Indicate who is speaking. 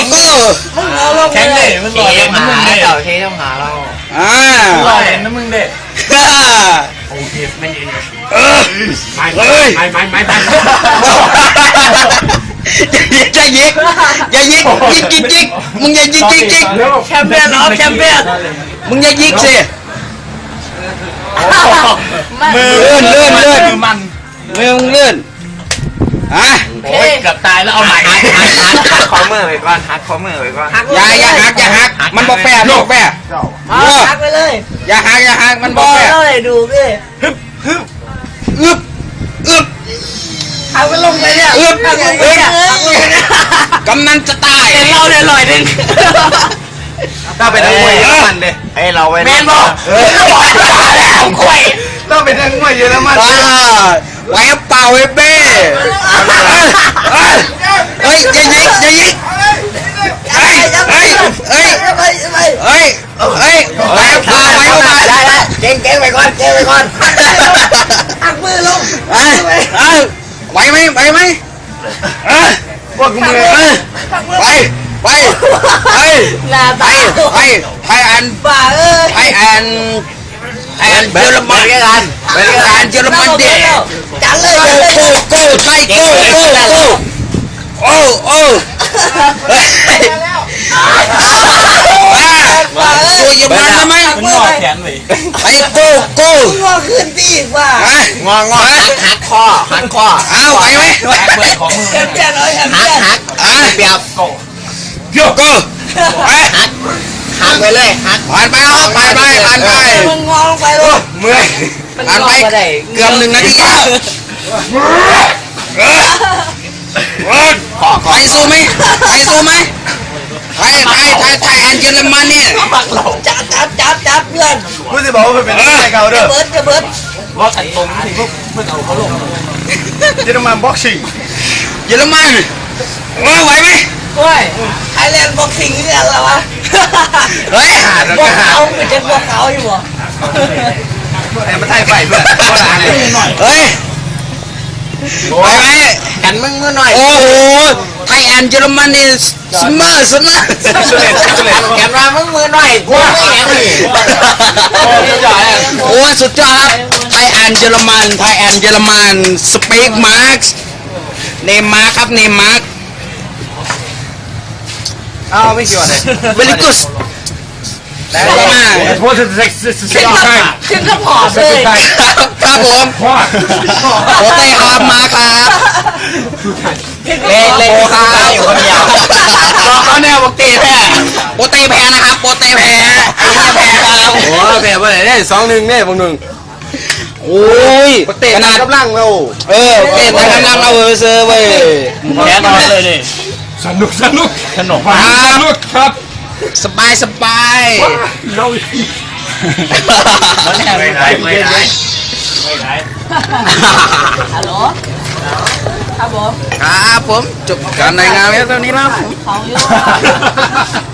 Speaker 1: แข็งเลยมันลอยน้ำมึงเด็ด
Speaker 2: เทต้องหาเรา
Speaker 1: ลอยน้ำมึงเด็ดโอเคไม่ยืนไม่
Speaker 3: อย่ายิกยิกมึงอย่ายิก
Speaker 2: แชมเปี้ยนออฟแชมเปี้ยน
Speaker 3: มึงอย่ายิกสิ
Speaker 1: มือมัน
Speaker 3: มือมึงเลื่อนอ่ะ
Speaker 1: โอ้ยเกือบตายแล้วเอาใหม่
Speaker 2: ฮักคอมือไว้ก่อนฮักคอมือไว้ก่อน
Speaker 3: อย่าหักมันบอกแปะ
Speaker 2: ฮักไปเลย
Speaker 3: อย่าหักมันบอกแปะ
Speaker 2: เท่าไหร่ดูพี่
Speaker 3: อึบ
Speaker 2: ฮักไปลงไปเนี่ยฮักลงไปเนี่ย
Speaker 3: กำนันจะตาย
Speaker 2: เป็นเราเนี่ยลอยดึง
Speaker 1: ถ้าเป็นนักมวยเยอรมันดิไอเราไป
Speaker 2: แมนบอกแล้วคุย
Speaker 1: ต้องเป็นนักมวยเยอรมัน
Speaker 3: ไว้เปล่าไอ้เบ้เฮ้ยอย่ายิกเฮ้ยไว้เปล่า
Speaker 2: ได้เก่งไปก่อนหักมือลง
Speaker 3: ไหวไหม
Speaker 1: พวกมึง
Speaker 3: ไป
Speaker 2: หน้าตา
Speaker 3: ไทยอัน
Speaker 2: บ้าเอ้ย
Speaker 3: ไทยอันเยอรมันเยอรมันเด็ก
Speaker 2: จังเลย
Speaker 3: โก้ไทยโก้โอ้ตัวเยอรมันทำไม
Speaker 1: มันงอแขนเลย
Speaker 3: ไอ้โก้
Speaker 2: งอขึ้นพี่ว่าง
Speaker 3: อหักคออ้าวไหวไหม
Speaker 1: แขนเบิดของมือ
Speaker 2: แชมเปี้ยนน้อยแชมเปี้ยน
Speaker 3: เปียบโก้หักไปเลยผ่านไป
Speaker 2: มึงงอลงไปลูก
Speaker 3: เมื่อยผ่านไปเกือบ1 นาทีไปสู้ไหมไทยแอนเยอรมันเนี่ย
Speaker 2: จับเพื่อน
Speaker 1: พูดสิบอกว่ามันเป็นนักมวยเก่าเด้อ
Speaker 2: จะเบิร์ด
Speaker 1: ว่าขันตรงที่พวกเพื่อนเอาเขาลงเยอรมันบ็อกซิ่ง
Speaker 3: เยอรมันไหวไหม
Speaker 2: โอ้ยไทยแลนด์บ็อกซิ่งนี่อะไรวะ
Speaker 3: เฮ้ย
Speaker 2: พวกเขาเป็นจะพวกเขาอยู่บ่
Speaker 1: แต่มาไทยไฟเพื่อนก็ได้เลย
Speaker 3: เฮ้ยไหวไหม
Speaker 2: กันมึงเมื่อหน่อย
Speaker 3: โอ้โหไทยแอนเยอรมันนี่สมาร์ท
Speaker 2: แกมามึงมือหน่อยกูไม่แข็งเลย
Speaker 3: โอ้สุดยอดครับไทยแอนเยอรมันสเปกมาร์คเนมาร์ครับเนมาร์
Speaker 1: อ้าวไม่เกี่ยวเลย
Speaker 3: เวลิกุสแล้วก็มา
Speaker 1: โทษใช่
Speaker 2: ขึ้นก็ผอมเลย
Speaker 3: ครับผมโอเต้ครับมาครับเล่นครับอยู่คนเดียวเขาแนวโปเต้แพ้นะครับโปเต้แพ้ไอ้เนี่ยแพ้ครับ
Speaker 1: โอ้แพ้ไปไหนเนี่ย2-1เนี่ยพวกนึง
Speaker 3: โอ้ย
Speaker 1: เตะกำลังเรา
Speaker 3: เต้แต่กำลังเอาเซอร์เว้ย
Speaker 1: แพ้นอนเลยดิสนุกครับ
Speaker 3: สบาย
Speaker 1: เราไม่ได้
Speaker 2: ฮัลโหลครับผม
Speaker 3: ครับผมจบการรายงานแล้วตอนนี้แล้ว
Speaker 2: ของอยู่